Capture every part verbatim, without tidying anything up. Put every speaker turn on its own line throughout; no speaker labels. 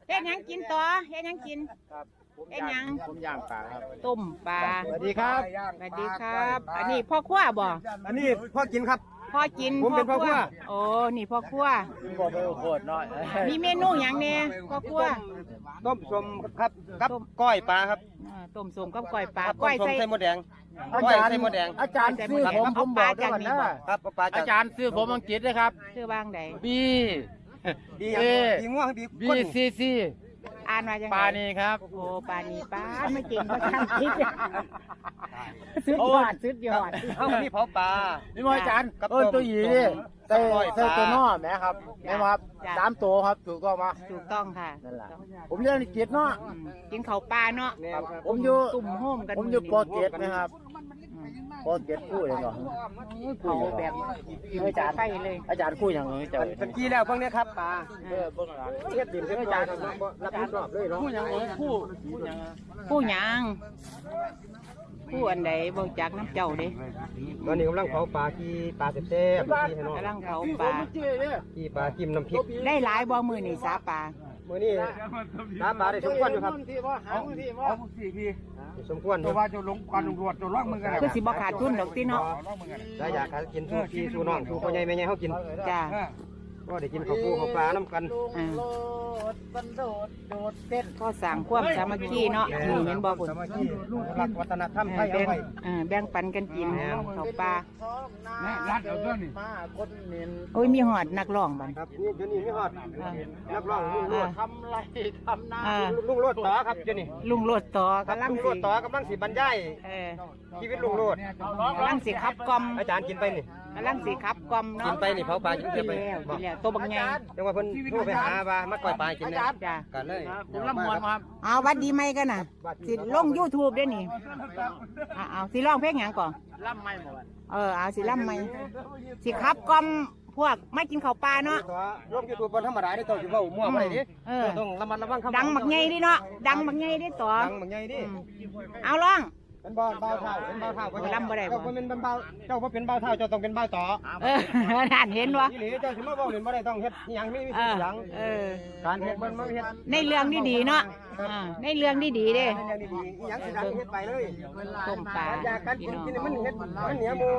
เฮ็ดหยังกินต่อเฮ็ดหยังกิน
ครับผม
เฮ็ดหยัง
ผมย่างปลาครับ
ต้มปลา
สวัสดีครับ
สวัสดีครับ อันนี้พ่อครัวบ่
อันนี้พ่อกินครับ
พ่อกิน
ผมเป็นพ่อครัว
โอ้นี่พ่อครัว
บอกไปโคตรน้อย
มีเมนูหยังแน่พ่อครัว
ต้มสมครับกับก้อยปลาครับ
อ่าต้มส้มกับก้อยปลา
ครับ
ก้อย
ต้ม
ใส่
ใส่หมดแดงก้อยใส่หมดแดง
อาจารย์ซื้อผมผมบอกด้วยกันนะครับ
ปลา
อาจารย์ซื้อผมอังกฤษนะครับ
ชื่อว่างใด
บี
ดี
เอ
ดีง่วงดี
บี
ก้น
ซีซี
อ่านว่าจังไง
ปานีครับ
โอ้ปานีปาไม่เก่งภาษาอังกฤษสุดยอดสุดยอด
เอาอันนี้เผาปลา
นี่มอาจารย์
กับ
เออตัวหยีนี่ใส่
ก้อยปลา
ใส่ตัวนอแหมครับแม่ครับสามตัวครับถูกต้องมา
ถูกต้องค่ะ
นั่นแหละผมเรียนอังกฤษเนาะ
อืมกินข้าวปลาเนาะ
ครับผมอยู่
ตุ่มโฮมกัน
ผมอยู่ป
มื้
อเจ็ดนะครับปอเจ็ดคู่เลยเนาะ
เขาแบบอาจารย์ไฟเลย
อาจารย์คู่อย่างไรเจ้า
เป็นกี้แล้วพวกนี้ครับปลา
เออเบิ่งหลัง
เทียบดินเทียบจานรับผิดชอบเลยเนาะ
คู่อย่างไรคู่คู่อย่างไร
ผู้หยังผู้อันใดบ่จักน้ำเจ้าเด้
ตอนนี้กำลังเผาปลากี้ปลาเต็มๆกี้ให้น้อง
กำลังเผาปลา
กี้ปลาจิ้มน้ำพริก
ได้หลายบ่มื้อนี่สาปลา
มื้อนี้ปลาปลาได้สมควรอยู่ครับ
เอาที่ว่าเอาสี่พี่
สมควรอยู่
ว่าจะลงควันลงรวดจะล่องมือกัน
คือสิบ่ขาดทุนดอกติเนาะ
ถ้าอยากหากินสู้พี่สู้น้องสู้พ่อใหญ่แม่ใหญ่เฮากิน
จ้า
ก็ได้กินข้าวปูข้าวปลาน้ำกัน
อ่า
มันโดดโดดเต้น
ก็สร้างความสามัคคีเนาะนี่เห็นบ่คุณ
สามัคคีรักวัฒนธรรมไทย
แบ่
เอา
ง
ไว้
เออแบ่งปันกันกินข้าวปลา
รัดเอาด้วยนี่มาคนเน้น
โอ้ยมีหอดนักร้องบัด
ครับนี่เดี๋ยวนี้มีฮอด
อ่า
นักร้องลุงโลด
ทำไรทำนา
อ่า
ลุงโลดต่อครับเดี๋ยวนี้
ลุงโลดต่อ
ครับ
กำลัง
ลุงโล
สิ
ดต่อกำลังสิบรรยาย
เออ
ชีวิตลุงโลด
กำลังสิขับกล่อม
อาจารย์กินไปนี่
กำลังสิขับกล่อม
กิ
เนาะ
นไปนี่เผาปลากิน
กิน
ไป
แล้ว
บ
กิ
อก
นแล้วตัวบักใหญ่
จังว่าเพิ่นโทรไปหาว่ามาก่อยปลากินนะ
จ้า
กันเลย
ผมรับมวลครับ
เอาวัดดีไหมกันน่ะสิลง YouTube ได้นี่เอาเอาสิร้องเพลงหยังก่อน
รับไม่หมด
เออเอาสิล่ำไหมสิขับกล่อมพวกไม่กินข้าวปลาเนาะ
ตัวลงยูทูบบนธรรมดาได้ตัวสิเว้ามั่วบ่ได้ดิ
เออ
ต้องระมัดระวังคำ
ดังบักใหญ่ดิเนาะดังบักใหญ่ดิต่อ
ดังบักใหญ่ดิ
อืมเอาร้อง
เป็นบ่าวเบาเท่าเป็นเบาเท่า
โอ้ยลำบ่ได้บ่
เจ้าบ่เป็นเบาเจ้าบ่เป็นเบาเท่าเจ้าต้องเป็นเบาต่อ
เออท่านเห็นวะ
นี่หลีเจ้าสิมาเว้าเล่นบ่ได้ต้องเฮ็ดอหยังมีมี
เอ
สิ่ง
อ
หยัง
เออ
การเฮ็ดมันมันเฮ็ด
ในเรื่องดีๆเนาะอ่าในเรื่องดีๆเด้
เป็นอย่างดีๆอหยังสิดังเฮ็ดไปเลย
ต้มปลา
อยากการ
พี่
กิน
น้อง
กินมันเฮ็ดมันเหนียวหมู่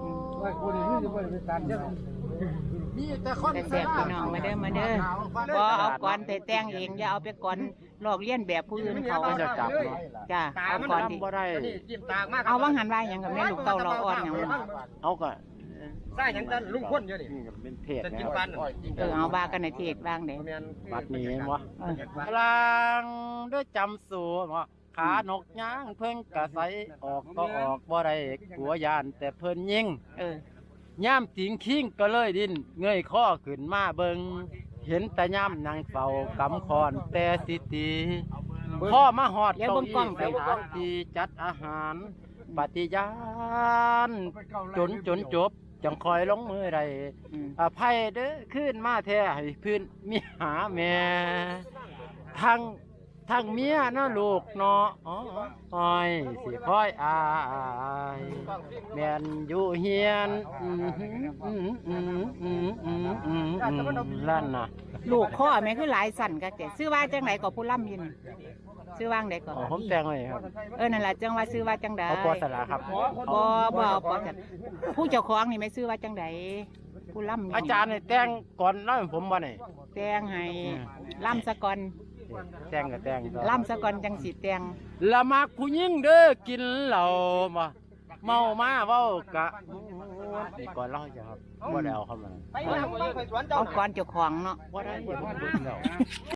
มีแต่คน
แต่แซ่บพี่น้องมาเด้อมาเด้อบ่เอาก่อนแต่แต่งเองอย่าเอาไปก่อนลอกเลียนแบบผู้อื่นเขา
จะจับเนาะ
จ้าเอาก่อนดิ
บ่ได้
นี่จิ้มตากมาก
เอาว่างหันว่าหยังกับแม่ลูกเต้าเราอ่อนหยังวะ
เอาก็
ใส่หยังตันลุงพ่นอยู่นี่
เป็นเพจ
จะ
นะ
กิน
ค
ปั
รับ
น
เออเอาว่ากันในเทศว่างเด้
แม่น
บัดนี้เห็นวะ
เออ
พลังด้วยจำสูว่าขานกย่างเพิ่งกระใสออกก็ออกบ่ได้กลัวยานแต่เพิ่นยิง
เออย่
ามติงคิงก็เลยดิน เงยข้อขึ้นมาเบิงเห็นแต่ย่ามนางเฝ้ากำคอนแต่สิตีพ่อมาหอด
เดี๋ยวเบิ่งกล้องไป
สถานที่จัดอาหาร ปฏิญาณจนจนจบ จังคอยลงมือไร
อืม
อภัยเด้อขึ้นมาแท้ให้พื้นมีหาแม่ทั้งทั้งเมียนะลูกเนาะอ๋ออ้อยสิคอยอายแม่นอยู่เฮียนอืมอืมอืมอืมอืมอืมอืมลั่นน่ะ
ลูกข้อแม่คือหลายสั่นก็แต่ซื้อว่าจังไหนก็ผู้ล่ำยินซื้อว่างใดก็
อ๋อผมแต่งไว้ครับ
เออนั่นล่ะจังว่าซื้อว่าจังใด
เอาปอสลาครับ
บ่บ่เอาปอจังผู้เจ้าของนี่ไม่ซื้อว่าจังใดผู้ล่ำ
อาจารย์นี่แต่งก่อนเล่าให้ผมบ่นี่
แต่งให้ล่ำซะก่อน
แต่งก็แต่งต่อ
ล่ำซะก่อนจังสิแต่ง
ละมักผู้หญิงเด้อกินเหล้ามาเมามาเว้ากะนี่ก่อนเล่าจะครับบ่ได้เอาเข้ามา
ไปหยังไปสวนเจ้า
เอาก่อนเจ้าของเนาะ
บ่ได้ผมเบิ่งแล้ว